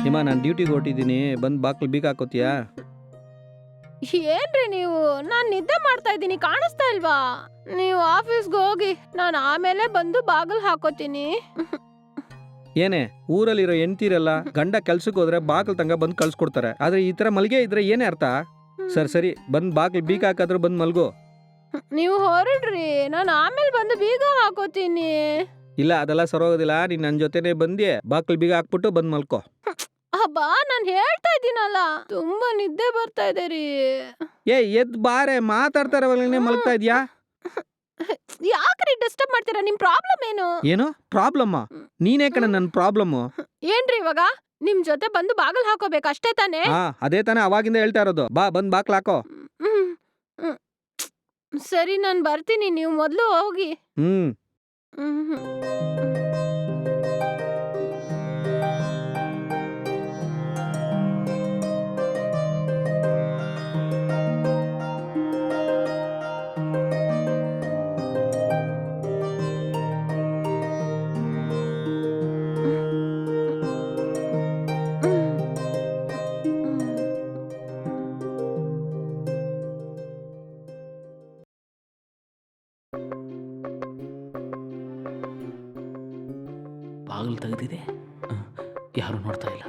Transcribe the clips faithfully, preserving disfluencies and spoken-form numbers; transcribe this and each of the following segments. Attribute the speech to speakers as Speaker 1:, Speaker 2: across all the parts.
Speaker 1: ಹಿಮ ನಾನು ಡ್ಯೂಟಿಗೆ ಹೊರಟಿದ್ದೀನಿ, ಬಂದು ಬಾಕ್ಲು ಬೀಗ ಹಾಕೋತೀಯಾ?
Speaker 2: ಏನ್ರಿ ನೀವು? ನಾನ್ ನಿದ್ದೆ ಮಾಡ್ತಾ ಇದ್ದೀನಿ, ಕಾಣಿಸ್ತಾ ಇಲ್ವಾ? ನೀವು ಆಫೀಸ್ಗೆ ಹೋಗಿ, ನಾನು ಆಮೇಲೆ ಬಂದು ಬಾಗಿಲು ಹಾಕೋತೀನಿ.
Speaker 1: ಏನೇ ಊರಲ್ಲಿರೋ ಹೆಂಡ್ತೀರಲ್ಲ, ಗಂಡ ಕೆಲ್ಸಕ್ಕೆ ಹೋದ್ರೆ ಬಾಗಿಲು ತಂಗ ಬಂದು ಕಳ್ಸ್ಕೊಡ್ತಾರೆ, ಆದ್ರೆ ಈ ತರ ಮಲ್ಗೆ ಇದ್ರೆ ಏನೇ ಅರ್ಥ? ಸರಿ ಸರಿ ಬಂದ್ ಬಾಗಿಲು ಬೀಗ ಹಾಕಾದ್ರೂ ಬಂದ್ ಮಲ್ಗೋ.
Speaker 2: ನೀವು ಹೊರಡ್ರಿ, ನಾನು ಆಮೇಲೆ ಬಂದು ಬೀಗ ಹಾಕೋತೀನಿ.
Speaker 1: ಇಲ್ಲ ಅದೆಲ್ಲ ಸರೋಗೋದಿಲ್ಲ, ನೀನ್ ನನ್ನ ಜೊತೆನೆ ಬಂದಿ ಬಾಗಿಲು ಬೀಗ ಹಾಕ್ಬಿಟ್ಟು ಬಂದ್ ಮಲ್ಕೋ.
Speaker 2: ಅಬ್ಬಾ ನಾನು ಹೇಳ್ತಾ ಇದ್ದೀನಲ್ಲ, ತುಂಬಾ ನಿದ್ದೆ ಬರ್ತಾ ಇದೆ ರೀ.
Speaker 1: ಏ ಎದ್ ಬಾರೆ, ಮಾತಾಡ್ತಾ ಇರೋವಾಗಲೇ ಮಲ್ಗ್ತಾ ಇದ್ಯಾ?
Speaker 2: ಯಾಕ್ರಿ ಡಿಸ್ಟರ್ಬ್ ಮಾಡ್ತೀರಾ? ನಿಮ್ ಪ್ರಾಬ್ಲಮ್ ಏನು?
Speaker 1: ಏನು ಪ್ರಾಬ್ಲಮ್? ನೀನೇ ಕಣ ನನ್ನ ಪ್ರಾಬ್ಲಮ್.
Speaker 2: ಏನ್ರಿ ಇವಾಗ? ನಿಮ್ ಜೊತೆ ಬಂದು ಬಾಗಿಲು ಹಾಕೋಬೇಕು ಅಷ್ಟೇ ತಾನೇ?
Speaker 1: ಹಾ ಅದೇ ತಾನೇ ಅವಾಗಿಂದ ಹೇಳ್ತಾ ಇರೋದು, ಬಾ ಬಂದ್ ಬಾಕ್ಲ ಹಾಕೋ.
Speaker 2: ಹ್ಮ್. ಹ್ಮ್. ಸರಿ ನಾನು ಬರ್ತೀನಿ, ನೀವು ಮೊದಲು ಹೋಗಿ.
Speaker 1: ಹ್ಮ್
Speaker 2: ಹ್ಮ್.
Speaker 3: ಬಾಗಿಲು ತೆಗೆದಿದೆ, ಯಾರು ನೋಡ್ತಾ ಇಲ್ಲ.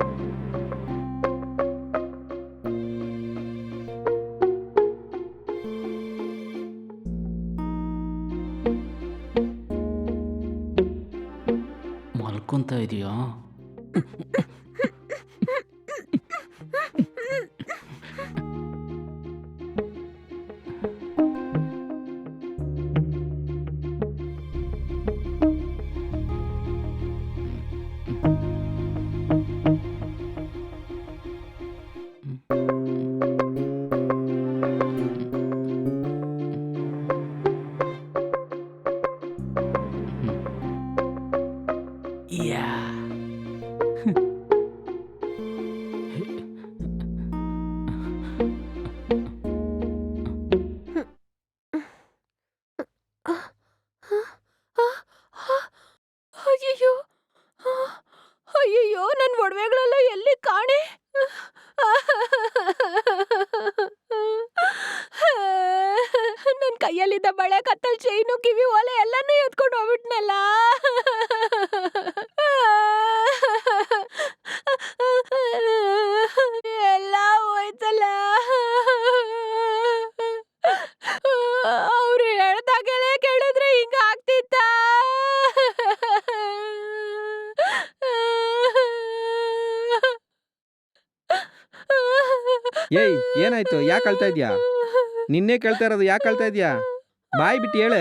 Speaker 3: ಮಲ್ಕೊಂತ ಇದೆಯಾ? ಯಾ
Speaker 2: ಅಯ್ಯಯ್ಯೋ ಅಯ್ಯಯ್ಯೋ ನನ್ನ ಒಡವೆಗಳೆಲ್ಲ ಎಲ್ಲಿ ಕಾಣೆ? ನನ್ನ ಕೈಯಲ್ಲಿದ್ದ ಬಳೆ, ಕತ್ತಲ್, ಚೈನು, ಕಿವಿ ಓಲೆ ಎಲ್ಲಾನು ಎತ್ಕೊಂಡು ಹೋಗ್ಬಿಟ್ನಲ್ಲ. ಎಲ್ಲ ಹೋಯ್ತಲ್ಲ. ಅವ್ರು ಹೇಳ್ದಾಗೆಲ್ಲ ಕೇಳಿದ್ರೆ ಹಿಂಗ ಆಗ್ತಿತ್ತ?
Speaker 1: ಏಯ್ ಏನಾಯ್ತು, ಯಾಕೆ ಅಳ್ತಾ ಇದ್ಯಾ? ನಿನ್ನೆ ಕೇಳ್ತಾ ಇರೋದು, ಯಾಕೆ ಅಳ್ತಾ ಇದ್ಯಾ? ಬಾಯ್ ಬಿಟ್ಟು ಹೇಳೆ.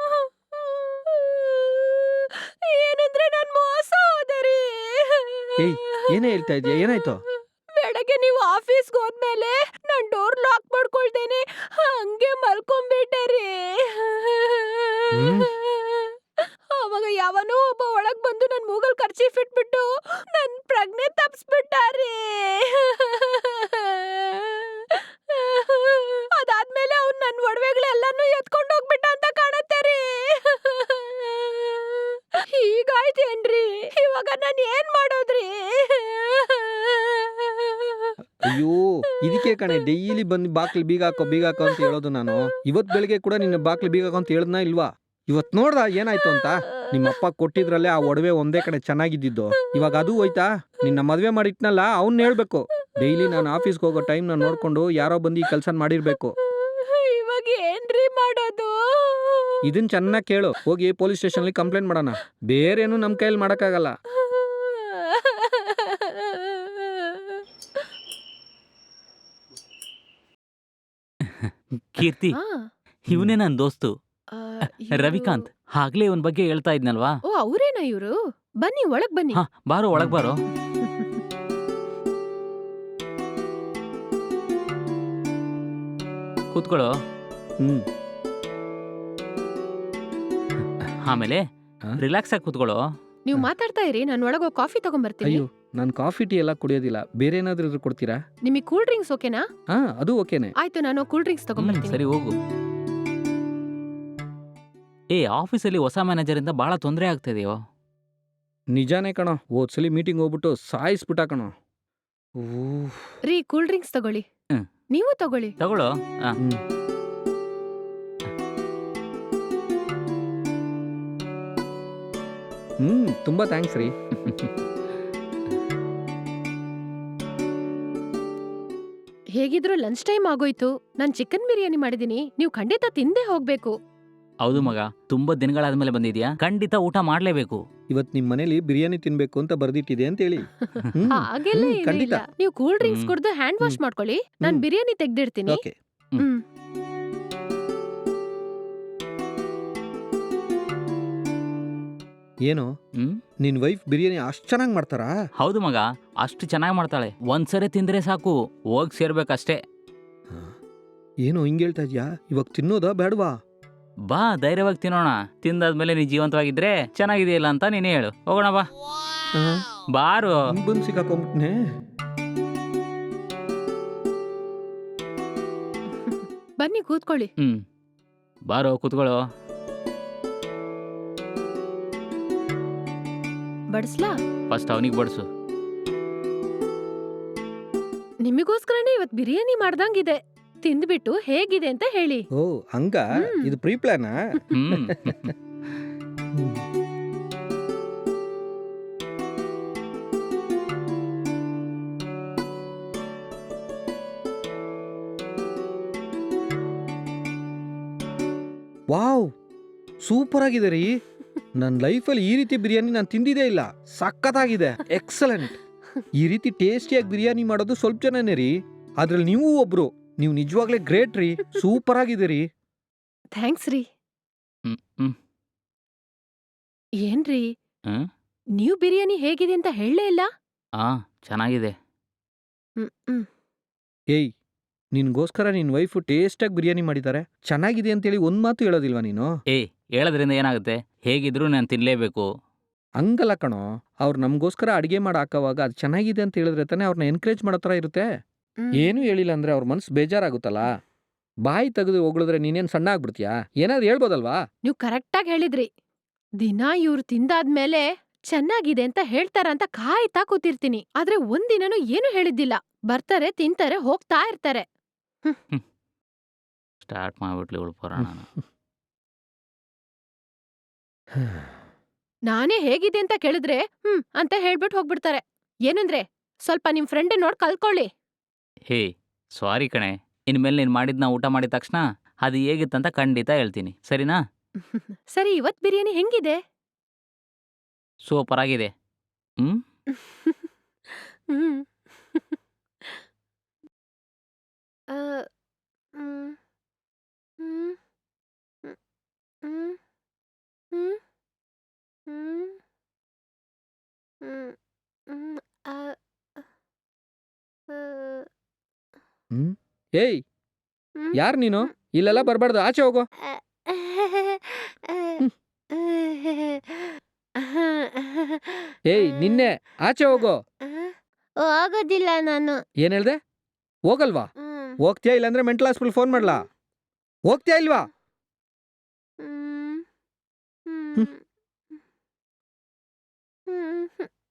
Speaker 2: ಏನಂದ್ರೆ ನಾನ್ ಮೋಸ ಹೋದೆ ರೀ.
Speaker 1: ಏಯ್ ಏನೇ ಹೇಳ್ತಾ ಇದ್ಯಾ, ಏನಾಯ್ತು?
Speaker 2: ಬೆಳಗ್ಗೆ ನೀವು ಆಫೀಸ್ಗೆ ಹೋದ್ಮೇಲೆ ನಾನ್ ಡೋರ್ ಲಾಕ್ ಮಾಡ್ಕೊಳ್ತೇನೆ, ಹಂಗೆ ಮಲ್ಕೊಂಡ್ಬಿಟ್ಟೆ ರೀ.
Speaker 1: ಹ್ಮ್
Speaker 2: ಅವಾಗ ಯಾವನೋ ಒಬ್ಬ ಒಳಗ್ ಬಂದು ನನ್ ಮೂಗಲ್ ಕರ್ಚೀಫ್ ಇಟ್ಬಿಟ್ಟು ನನ್ ಪ್ರಜ್ಞೆ ತಪ್ಸ್ಬಿಟ್ಟ ರೀ. ಅದಾದ್ಮೇಲೆ ಅವ್ನು ನನ್ ಒಡವೆಗಳೆಲ್ಲಾನು ಎತ್ಕೊಂಡು ಹೋಗ್ಬಿಟ್ಟ ಅಂತ ಕಾಣತ್ತೆ ರೀ. ಹೀಗಾಯ್ತೇನ್ರಿ? ಇವಾಗ ನಾನ್ ಏನ್ ಮಾಡೋದ್ರಿ?
Speaker 1: ಅಯ್ಯೋ ಇದಕ್ಕೆ ಕಣೆ ಡೈಲಿ ಬಂದು ಬಾಕ್ಲು ಬೀಗ ಹಾಕೋ ಬೀಗ ಹಾಕೋ ಅಂತ ಹೇಳೋದು ನಾನು. ಇವತ್ ಬೆಳಿಗ್ಗೆ ಕೂಡ ನಿನ್ನ ಬಾಕ್ಲು ಬೀಗ ಹಾಕೋ ಅಂತ ಹೇಳದ್ನಾ ಇಲ್ವಾ? ಇವತ್ ನೋಡ್ದ ಏನಾಯ್ತು ಅಂತ? ನಿಮ್ಮಪ್ಪ ಕೊಟ್ಟಿದ್ರಲ್ಲೇ ಆ ಒಡವೆ ಒಂದೇ ಕಡೆ ಚೆನ್ನಾಗಿದ್ದಿದ್ದು, ಇವಾಗ ಅದು ಹೋಯ್ತಾ? ನಿನ್ನ ಮದ್ವೆ ಮಾಡಿಟ್ನಲ್ಲ, ಅವ್ನ್ ಹೇಳ್ಬೇಕು ಡೈಲಿ ನಾನು ಆಫೀಸ್ಗೆ ಹೋಗೋ ಟೈಮ್ ನಾನು ನೋಡ್ಕೊಂಡು ಯಾರೋ ಬಂದು ಈ ಕೆಲ್ಸ ಮಾಡಿರ್ಬೇಕು.
Speaker 2: ಇವಾಗ ಏನ್ರಿ ಮಾಡೋದು?
Speaker 1: ಇದನ್ ಚೆನ್ನಾಗಿ ಕೇಳು, ಹೋಗಿ ಪೊಲೀಸ್ ಸ್ಟೇಷನ್ಲಿ ಕಂಪ್ಲೇಂಟ್ ಮಾಡೋಣ. ಬೇರೇನು ನಮ್ ಕೈಯಲ್ಲಿ ಮಾಡಕ್ಕಾಗಲ್ಲ.
Speaker 3: ಕೀರ್ತಿ,
Speaker 2: ಆ,
Speaker 3: ಇವನೇ ನನ್ನ ದೋಸ್ತು
Speaker 2: ಆ, ಇವ್ರು-
Speaker 3: ರವಿಕಾಂತ್. ಆಗ್ಲೇ ಇವನ್ ಬಗ್ಗೆ ಹೇಳ್ತಾ ಇದ್ನಲ್ವಾ?
Speaker 2: ಓ ಅವ್ರೇನಾ ಇವ್ರು? ಬನ್ನಿ ಒಳಗ್ ಬನ್ನಿ.
Speaker 3: ಹಾ ಬಾರೋ, ಒಳಗ್ ಬಾರೋ. ಕೂತ್ಕೊಳ್ಳೋ.
Speaker 1: ಹ್ಮ್
Speaker 3: ಆಮೇಲೆ
Speaker 1: ಹಾ?
Speaker 3: ರಿಲ್ಯಾಕ್ಸ್ ಆಗಿ ಕೂತ್ಕೊಳ್ಳೋ.
Speaker 2: ನೀವು ಮಾತಾಡ್ತಾ ಇರಿ, ನಾನು ಒಳಗೆ ಕಾಫಿ ತಗೊಂಡ್ಬರ್ತೀನಿ.
Speaker 1: ಅಯ್ಯೋ ನಾನು ಕಾಫಿ ಟೀ ಎಲ್ಲ ಕುಡಿಯೋದಿಲ್ಲ, ಬೇರೆ ಏನಾದ್ರೂ ಇದ್ರೆ ಕೊಡ್ತೀರಾ?
Speaker 2: ನಿಮಗೆ ಕೂಲ್ ಡ್ರಿಂಕ್ಸ್ ಓಕೆನಾ?
Speaker 1: ಹಾ ಅದು ಓಕೆನೆ.
Speaker 2: ಆಯ್ತು, ನಾನು ಕೂಲ್ ಡ್ರಿಂಕ್ಸ್
Speaker 3: ಹ್ಮ್,
Speaker 2: ತಗೊಂಡ್ಬರ್ತೀನಿ.
Speaker 3: ಸರಿ ಹೋಗು. ಏ ಆಫೀಸಲ್ಲಿ ಹೊಸ ಮ್ಯಾನೇಜರ್ ಇಂದ ಬಹಳ ತೊಂದರೆ ಆಗ್ತಿದೆಯೋ?
Speaker 1: ನಿಜಾನೇ ಕಣೋ, ಹೋದ್ಸಲಿ ಮೀಟಿಂಗ್ ಹೋಗ್ಬಿಟ್ಟು ಸಾಯಿಸ್ಬಿಟ್ಟ ಕಣೋ. ಊ
Speaker 2: ರೀ ಕೂಲ್ ಡ್ರಿಂಕ್ಸ್ ತಗೊಳ್ಳಿ.
Speaker 3: ಹ್ಮ್.
Speaker 2: ನೀವು ತಗೊಳ್ಳಿ.
Speaker 3: ತಗೊಳ್ಳೋ. ಆ,
Speaker 1: ಹ್ಮ್. ಹ್ಮ್ ತುಂಬಾ ಥ್ಯಾಂಕ್ಸ್ ರೀ.
Speaker 2: ಹೇಗಿದ್ರು ಲಂಚ್ ಟೈಮ್ ಆಗೋಯ್ತು. ನಾನ್ ಚಿಕನ್ ಬಿರಿಯಾನಿ ಮಾಡಿದೀನಿ, ನೀವು ಖಂಡಿತ ತಿಂದೇ ಹೋಗ್ಬೇಕು.
Speaker 3: ಹೌದು ಮಗ, ತುಂಬಾ ದಿನಗಳಾದ್ಮೇಲೆ ಬಂದಿದ್ಯಾ, ಖಂಡಿತ ಊಟ ಮಾಡ್ಲೇಬೇಕು.
Speaker 1: ಇವತ್ ನಿಮ್ ಮನೇಲಿ ಬಿರಿಯಾನಿ ತಿನ್ಬೇಕು ಅಂತ ಬರ್ದಿಟ್ಟಿದೆ ಅಂತ ಹೇಳಿ. ಹ್ಮ್.
Speaker 2: ಹಾಗೆಲ್ಲ
Speaker 1: ಹ್ಮ್,
Speaker 2: ಏನೂ
Speaker 1: ಖಂಡಿತ.
Speaker 2: ಇಲ್ಲ. ನೀವು ಕೂಲ್ ಡ್ರಿಂಕ್ಸ್
Speaker 3: ಹ್ಮ್.
Speaker 2: ಕುಡ್ದು ಹ್ಯಾಂಡ್ ವಾಶ್
Speaker 1: ಹ್ಮ್.
Speaker 2: ಮಾಡ್ಕೊಳ್ಳಿ. ನಾನ್
Speaker 1: ಹ್ಮ್.
Speaker 2: ಬಿರಿಯಾನಿ ತೆಗ್ದಿಡ್ತೀನಿ.
Speaker 1: ಓಕೆ.
Speaker 2: ಹ್ಮ್.
Speaker 1: ಏನು
Speaker 3: ಹ್ಮ್
Speaker 1: ನಿನ್ ವೈಫ್ ಬಿರಿಯಾನಿ ಅಷ್ಟ್ ಚೆನ್ನಾಗ್ ಮಾಡ್ತಾರಾ?
Speaker 3: ಹೌದು ಮಗ, ಅಷ್ಟು ಚೆನ್ನಾಗಿ ಮಾಡ್ತಾಳೆ. ಒಂದ್ಸರಿ ತಿಂದ್ರೆ ಸಾಕು, ಹೋಗ್ ಸೇರ್ಬೇಕಷ್ಟೇ.
Speaker 1: ಏನು ಹಿಂಗ್ ಹೇಳ್ತಾ ಇದ್ಯಾ? ಇವಾಗ ತಿನ್ನೋದಾ ಬೇಡವಾ?
Speaker 3: ಬಾ, ಧೈರ್ಯವಾಗಿ ತಿನ್ನೋಣ. ತಿಂದಾದ್ಮೇಲೆ ನೀ ಜೀವಂತವಾಗಿದ್ರೆ ಚೆನ್ನಾಗಿದೆಯಲ್ಲ ಅಂತ ನೀನೇ ಹೇಳು. ಹೋಗೋಣ ಬಾ. ಬಾರು.
Speaker 1: ಹಿಂಗ್ ಬಂದ್ ಸಿಕ್ಕಾಕೊಂಡ್ಬಿಟ್ನೆ.
Speaker 2: ಬನ್ನಿ ಕೂತ್ಕೊಳ್ಳಿ.
Speaker 3: ಹ್ಮ್ ಬಾರೋ, ಕೂತ್ಕೊಳ್ಳೋ.
Speaker 2: ಬಡಿಸ್ಲಾ?
Speaker 3: ಫಸ್ಟ್ ಅವನಿಗೆ ಬಡಿಸು.
Speaker 2: ನಿಮಗೋಸ್ಕರನೇ ಇವತ್ ಬಿರಿಯಾನಿ ಮಾಡ್ದಂಗಿದೆ. ತಿಂದ್ಬಿಟ್ಟು ಹೇಗಿದೆ ಅಂತ ಹೇಳಿ.
Speaker 1: ಓ ಹಂಗ?
Speaker 2: ಹ್ಮ್.
Speaker 1: ಇದು ಪ್ರೀ ಪ್ಲಾನಾ?
Speaker 3: ಹ್ಮ್
Speaker 1: ವಾವ್, ಸೂಪರ್ ಆಗಿದೆ ರೀ. ನನ್ನ ಲೈಫಲ್ಲಿ ಈ ರೀತಿ ಬಿರಿಯಾನಿ ನಾನು ತಿಂದಿದೇ ಇಲ್ಲ. ಸಖತ್ತಾಗಿದೆ, ಎಕ್ಸಲೆಂಟ್. ಈ ರೀತಿ ಟೇಸ್ಟಿಯಾಗಿ ಬಿರಿಯಾನಿ ಮಾಡೋದು ಸ್ವಲ್ಪ ಜನನೇ ರೀ, ಅದ್ರಲ್ಲಿ ನೀವು ಒಬ್ರು. ನೀವು ನಿಜವಾಗ್ಲೇ ಗ್ರೇಟ್ ರೀ, ಸೂಪರ್ ಆಗಿದೆ ರೀ.
Speaker 2: ಥ್ಯಾಂಕ್ಸ್ ರೀ.
Speaker 3: ಹ್ಮ್ ಹ್ಮ್
Speaker 2: ಏನ್ರಿ,
Speaker 3: ಹ್ಮ್?
Speaker 2: ನೀವು ಬಿರಿಯಾನಿ ಹೇಗಿದೆ ಅಂತ ಹೇಳಲೇ ಇಲ್ಲ?
Speaker 3: ಆ ಚೆನ್ನಾಗಿದೆ.
Speaker 2: ಹ್ಮ್ ಹ್ಮ್.
Speaker 1: ಏಯ್, ನಿನ್ಗೋಸ್ಕರ ನಿನ್ ವೈಫ್ ಟೇಸ್ಟಾಗಿ ಬಿರಿಯಾನಿ ಮಾಡಿದ್ದಾರೆ, ಚೆನ್ನಾಗಿದೆ ಅಂತೇಳಿ ಒಂದ್ ಮಾತು ಹೇಳೋದಿಲ್ವಾ ನೀನು?
Speaker 3: ಏಯ್, ಹೇಳೋದ್ರಿಂದ ಏನಾಗುತ್ತೆ? ಹೇಗಿದ್ರು ನಾನು ತಿನ್ಲೇಬೇಕು.
Speaker 1: ಹಂಗಲ್ಲ ಕಣೋ, ಅವ್ರು ನಮಗೋಸ್ಕರ ಅಡಿಗೆ ಮಾಡಿ ಹಾಕೋವಾಗ ಅದು ಚೆನ್ನಾಗಿದೆ ಅಂತ ಹೇಳಿದ್ರೆ ತಾನೇ ಅವ್ರನ್ನ ಎನ್ಕರೇಜ್ ಮಾಡೋ ಥರ ಇರುತ್ತೆ.
Speaker 2: ಹ್ಮ್.
Speaker 1: ಏನೂ ಹೇಳಿಲ್ಲ ಅಂದ್ರೆ ಅವ್ರ ಮನ್ಸು ಬೇಜಾರಾಗುತ್ತಲ್ಲ. ಬಾಯಿ ತೆಗೆದು ಹೊಗಳಿದ್ರೆ ನೀನೇನು ಸಣ್ಣ ಆಗ್ಬಿಡ್ತೀಯಾ? ಏನಾದ್ರು ಹೇಳ್ಬೋದಲ್ವಾ?
Speaker 2: ನೀವು ಕರೆಕ್ಟಾಗಿ ಹೇಳಿದ್ರಿ. ದಿನ ಇವ್ರು ತಿಂದಾದ್ಮೇಲೆ ಚೆನ್ನಾಗಿದೆ ಅಂತ ಹೇಳ್ತಾರಂತ ಕಾಯ್ತಾ ಕೂತಿರ್ತೀನಿ. ಆದ್ರೆ ಒಂದಿನನೂ ಏನು ಹೇಳಿದ್ದಿಲ್ಲ. ಬರ್ತಾರೆ, ತಿಂತಾರೆ, ಹೋಗ್ತಾ ಇರ್ತಾರೆ.
Speaker 3: ಸ್ಟಾರ್ಟ್ ಮಾಡ್ಬಿಟ್ಲಿ ಇವಳು ಪುರಾಣ.
Speaker 2: ನಾನೇ ಹೇಗಿದೆ ಅಂತ ಕೇಳಿದ್ರೆ ಹ್ಮ್ ಅಂತ ಹೇಳ್ಬಿಟ್ಟು ಹೋಗ್ಬಿಡ್ತಾರೆ. ಏನಂದ್ರೆ ಸ್ವಲ್ಪ ನಿಮ್ ಫ್ರೆಂಡ್ ನೋಡ್ ಕಲ್ಕೊಳ್ಳಿ.
Speaker 3: ಹೇ, ಸಾರಿ ಕಣೆ. ಇನ್ಮೇಲೆ ನೀನು ಮಾಡಿದ್ನ ಊಟ ಮಾಡಿದ ತಕ್ಷಣ ಅದು ಹೇಗಿತ್ತಂತ ಖಂಡಿತ ಹೇಳ್ತೀನಿ, ಸರಿನಾ?
Speaker 2: ಸರಿ, ಇವತ್ ಬಿರಿಯಾನಿ ಹೆಂಗಿದೆ?
Speaker 3: ಸೂಪರ್ ಆಗಿದೆ. ಹ್ಮ್
Speaker 2: ಹ್ಮ್. ಆ, ಹ್ಮ್, ಹ್ಮ್, ಹ್ಮ್, ಹ್ಮ್, ಹ್ಮ್, ಹ್ಮ್, ಹ್ಮ್, ಹ್ಮ್, ಆ, ಆ,
Speaker 1: ಹ್ಮ್. ಏಯ್,
Speaker 2: ಹ್ಮ್,
Speaker 1: ಯಾರ್ ನೀನು? ಇಲ್ಲೆಲ್ಲ ಬರ್ಬಾರ್ದು, ಆಚೆ ಹೋಗೋ. ಏಯ್, ನಿನ್ನೆ ಆಚೆ ಹೋಗೋ.
Speaker 2: ಹೋಗೋದಿಲ್ಲ ನಾನು.
Speaker 1: ಏನ್ ಹೇಳ್ದೆ? ಹೋಗಲ್ವಾ?
Speaker 2: ಹ್ಮ್.
Speaker 1: ಹೋಗ್ತೀಯಾ ಇಲ್ಲಾಂದ್ರೆ ಮೆಂಟಲ್ ಹಾಸ್ಪಿಟಲ್ ಫೋನ್ ಮಾಡ್ಲಾ? ಹೋಗ್ತೀಯಾ ಇಲ್ವಾ?
Speaker 2: ಹ್ಮ್.
Speaker 1: ಹ್ಮ್.
Speaker 2: ಹ್ಮ್. ಹ್ಮ್.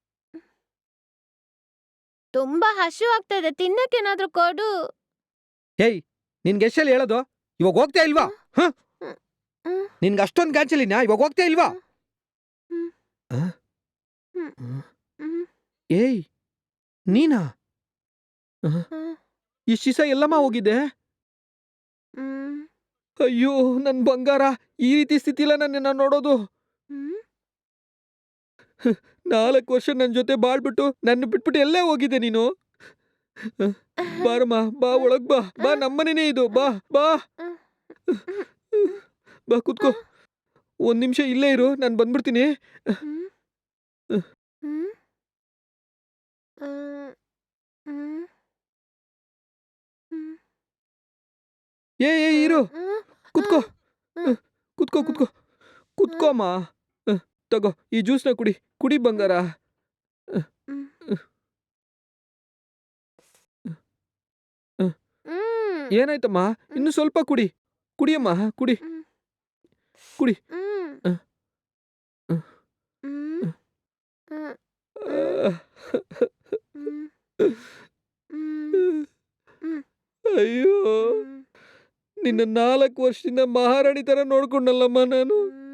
Speaker 2: ತುಂಬಾ ಹಶು ಆಗ್ತದೆ, ತಿನ್ನಕ್ಕೇನಾದ್ರೂ ಕೊಡು.
Speaker 1: ಏಯ್, ನಿನ್ಗೆ ಎಷ್ಟಲ್ಲಿ ಹೇಳೋದು? ಇವಾಗ ಹೋಗ್ತೀಯಾ ಇಲ್ವಾ? ಹ?
Speaker 2: ಹ್ಮ್.
Speaker 1: ನಿನ್ಗೆ ಅಷ್ಟೊಂದು ಗಾಂಚಲಿನ? ಇವಾಗ ಹೋಗ್ತೀಯಾ ಇಲ್ವಾ?
Speaker 2: ಹ್ಮ್.
Speaker 1: ಆ?
Speaker 2: ಹ್ಮ್.
Speaker 1: ಹ್ಮ್.
Speaker 2: ಹ್ಮ್.
Speaker 1: ಏಯ್, ನೀನಾ?
Speaker 2: ಹ್ಮ್.
Speaker 1: ಇಷ್ಟು ದಿವಸ ಎಲ್ಲಮ್ಮ ಹೋಗಿದ್ದೆ?
Speaker 2: ಹ್ಮ್.
Speaker 1: ಅಯ್ಯೋ ನನ್ ಬಂಗಾರ, ಈ ರೀತಿ ಸ್ಥಿತಿಲ ನನ್ನ ನೋಡೋದು.
Speaker 2: ಹ್ಮ್.
Speaker 1: ನಾಲ್ಕು ವರ್ಷ ನನ್ನ ಜೊತೆ ಬಾಳ್ಬಿಟ್ಟು ನನ್ನ ಬಿಟ್ಬಿಟ್ಟು ಎಲ್ಲೇ ಹೋಗಿದ್ದೆ ನೀನು? ಬಾರಮ್ಮ, ಬಾ ಒಳಗ್ ಬಾ. ಬಾ, ನಮ್ಮನೇನೆ ಇದು. ಬಾ ಬಾ ಬಾ, ಕೂತ್ಕೋ. ಒಂದ್ ನಿಮಿಷ ಇಲ್ಲೇ ಇರು, ನಾನು ಬಂದ್ಬಿಡ್ತೀನಿ.
Speaker 2: ಹ್ಮ್. ಹ್ಮ್. ಹ್ಮ್. ಹ್ಮ್. ಹ್ಮ್.
Speaker 1: ಏ ಏ ಇರು,
Speaker 2: ಹ್ಮ್.
Speaker 1: ಕೂತ್ಕೋ.
Speaker 2: ಹ್ಮ್.
Speaker 1: ಕೂತ್ಕೋ ಕೂತ್ಕೋ ಕೂತ್ಕೋಮ್ಮ. ಅಹ್, ತಗೋ ಈ ಜ್ಯೂಸ್ನ ಕುಡಿ. ಕುಡಿ ಬಂಗಾರ.
Speaker 2: ಹ್ಮ್.
Speaker 1: ಅಹ್,
Speaker 2: ಹ್ಮ್.
Speaker 1: ಏನಾಯ್ತಮ್ಮ? ಇನ್ನು ಸ್ವಲ್ಪ ಕುಡಿ. ಕುಡಿಯಮ್ಮ, ಕುಡಿ
Speaker 2: ಹ್ಮ್.
Speaker 1: ಕುಡಿ.
Speaker 2: ಹ್ಮ್.
Speaker 1: ಅಹ್, ಅಹ್,
Speaker 2: ಹ್ಮ್.
Speaker 1: ಅಹ್.
Speaker 2: ಆ.
Speaker 1: ನಿನ್ನ ನಾಲ್ಕು ವರ್ಷದಿಂದ ಮಹಾರಾಣಿ ತರ ನೋಡ್ಕೊಂಡಲ್ಲಮ್ಮ ನಾನು.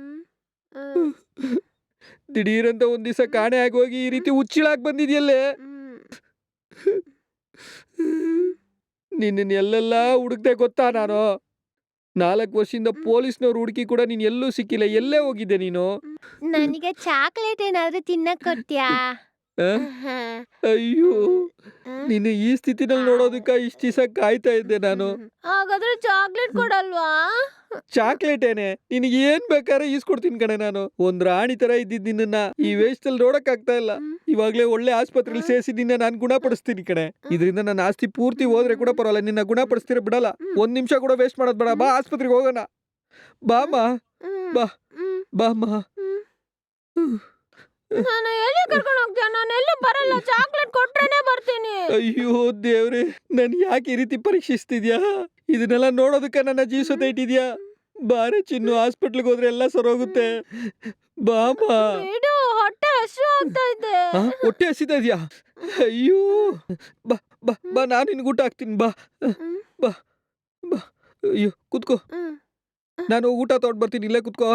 Speaker 1: ದಿಢೀರಂತ ಒಂದ್ ದಿವಸ ಕಾಣೆ ಆಗೋಗಿ ಈ ರೀತಿ ಹುಚ್ಚಿಳಾಗಿ ಬಂದಿದ್ಯಲ್ಲೇ. ನಿನ್ನ ಎಲ್ಲೆಲ್ಲ ಹುಡುಕ್ದೆ ಗೊತ್ತಾ ನಾನು. ನಾಲ್ಕು ವರ್ಷದಿಂದ ಪೊಲೀಸ್ನವ್ರು ಹುಡುಕಿ ಕೂಡ ನೀನ್ ಎಲ್ಲೂ ಸಿಕ್ಕಿಲ್ಲ. ಎಲ್ಲೇ ಹೋಗಿದ್ದೆ ನೀನು?
Speaker 4: ನನಗೆ ಚಾಕ್ಲೇಟ್ ಏನಾದ್ರೂ ತಿನ್ನಕ್ ಕೊಡ್ತೀಯಾ?
Speaker 1: ಆ? ಅಯ್ಯೋ, ನಿನ್ನ ಈ ಸ್ಥಿತಿನಲ್ಲಿ ನೋಡೋದಕ್ಕ ಇಷ್ಟ ದಿವಸ ಕಾಯ್ತಾ ಇದ್ದೆ ನಾನು.
Speaker 4: ಹಾಗಾದ್ರೆ ಚಾಕ್ಲೇಟ್ ಕೊಡಲ್ವಾ?
Speaker 1: ಚಾಕ್ಲೇಟ್ ಏನೆ, ನಿನಗೆ ಏನ್ ಬೇಕಾದ್ರೆ ಈಸ್ಕೊಡ್ತೀನಿ ಕಣೆ ನಾನು. ಒಂದ್ ರಾಣಿ ತರ ಇದ್ದಿದ್ ನಿನ್ನ ಈ ವೇಷದಲ್ಲಿ ನೋಡಕ್ ಆಗ್ತಾ ಇಲ್ಲ. ಇವಾಗ್ಲೇ ಒಳ್ಳೆ ಆಸ್ಪತ್ರೆಲಿ ಸೇರಿಸಿ ನಿನ್ನ ನಾನು ಗುಣಪಡಿಸ್ತೀನಿ ಕಣೆ. ಇದರಿಂದ ನನ್ನ ಆಸ್ತಿ ಪೂರ್ತಿ ಹೋದ್ರೆ ಕೂಡ ಪರವಾಗಿಲ್ಲ, ನಿನ್ನ ಗುಣಪಡಿಸ್ತೀರ ಬಿಡಲ್ಲ. ಒಂದ್ ನಿಮಿಷ ಕೂಡ ವೇಸ್ಟ್ ಮಾಡೋದ್ ಬೇಡ. ಬಾ ಆಸ್ಪತ್ರೆಗೆ ಹೋಗೋಣ. ಬಾಮ, ಬಾ ಬಾಮ್ಮ.
Speaker 4: ನಾನು ಎಲ್ಲಿ ಕರ್ಕೊಂಡು ಹೋಗ್ತೀಯ? ನಾನು ಎಲ್ಲಿ ಬರಲ್ಲ. ಚಾಕ್ಲೇಟ್ ಕೊಟ್ರೇನೆ ಬರ್ತೀನಿ.
Speaker 1: ಅಯ್ಯೋ ದೇವ್ರೆ, ನನ್ ಯಾಕೆ ಈ ರೀತಿ ಪರೀಕ್ಷಿಸ್ತಿದ್ಯಾ? ಇದನ್ನೆಲ್ಲ ನೋಡೋದಕ್ಕ ನನ್ನ ಜೀವಿಸೋತ ಇಟ್ಟಿದ್ಯಾ? ಬಾರೆ ಚಿನ್ನು, ಹಾಸ್ಪಿಟ್ಲಿಗೆ ಹೋದ್ರೆ ಎಲ್ಲ ಸರೋಗುತ್ತೆ. ಬಾಮ.
Speaker 4: ಬಿಡು, ಹೊಟ್ಟೆ ಹಸಿವು ಆಗ್ತಾ ಇದೆ.
Speaker 1: ಆ, ಹೊಟ್ಟೆ ಹಸಿತಾ ಇದ್ಯಾ? ಅಯ್ಯೋ, ಬಾ ಬಾ ಬಾ, ನಾನು ನಿನ್ಗೆ ಊಟ ಹಾಕ್ತೀನಿ. ಬಾ ಬಾ ಬಾ. ಅಯ್ಯೋ ಕುತ್ಕೋ, ನಾನು ಊಟ ತಗೊಂಡ್ ಬರ್ತೀನಿ. ಇಲ್ಲೇ ಕುತ್ಕೋ.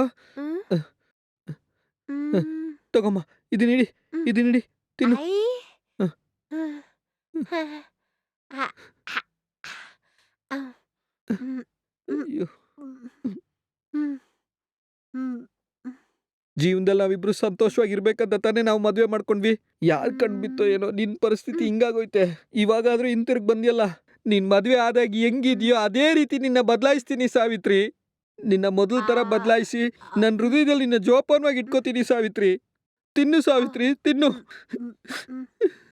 Speaker 1: ತಗೊಮ್ಮ, ಇದನ್ನ ಇಡಿ, ಇದನ್ನ ಇಡಿ, ತಿನ್ನು. ಹ. ಅಯ್ಯೋ, ಜೀವನದಲ್ಲಿ ನಾವಿಬ್ರು ಸಂತೋಷವಾಗಿರ್ಬೇಕಂತ ತಾನೇ ನಾವು ಮದ್ವೆ ಮಾಡ್ಕೊಂಡ್ವಿ. ಯಾರ್ ಕಣ್ಬಿತ್ತೋ ಏನೋ ನಿನ್ ಪರಿಸ್ಥಿತಿ ಹಿಂಗಾಗೋಯ್ತೆ. ಇವಾಗಾದ್ರೂ ಹಿಂತಿರುಗ್ ಬಂದ್ಯಲ್ಲ. ನಿನ್ ಮದ್ವೆ ಆದಾಗ ಹೆಂಗಿದ್ಯೋ ಅದೇ ರೀತಿ ನಿನ್ನ ಬದಲಾಯಿಸ್ತೀನಿ ಸಾವಿತ್ರಿ. ನಿನ್ನ ಮೊದಲ ತರ ಬದಲಾಯಿಸಿ ನನ್ನ ಹೃದಯದಲ್ಲಿ ನಿನ್ನ ಜೋಪಾನವಾಗಿ ಇಟ್ಕೋತೀನಿ ಸಾವಿತ್ರಿ. ತಿನ್ನು ಸಾವಿತ್ರಿ, ತಿನ್ನು.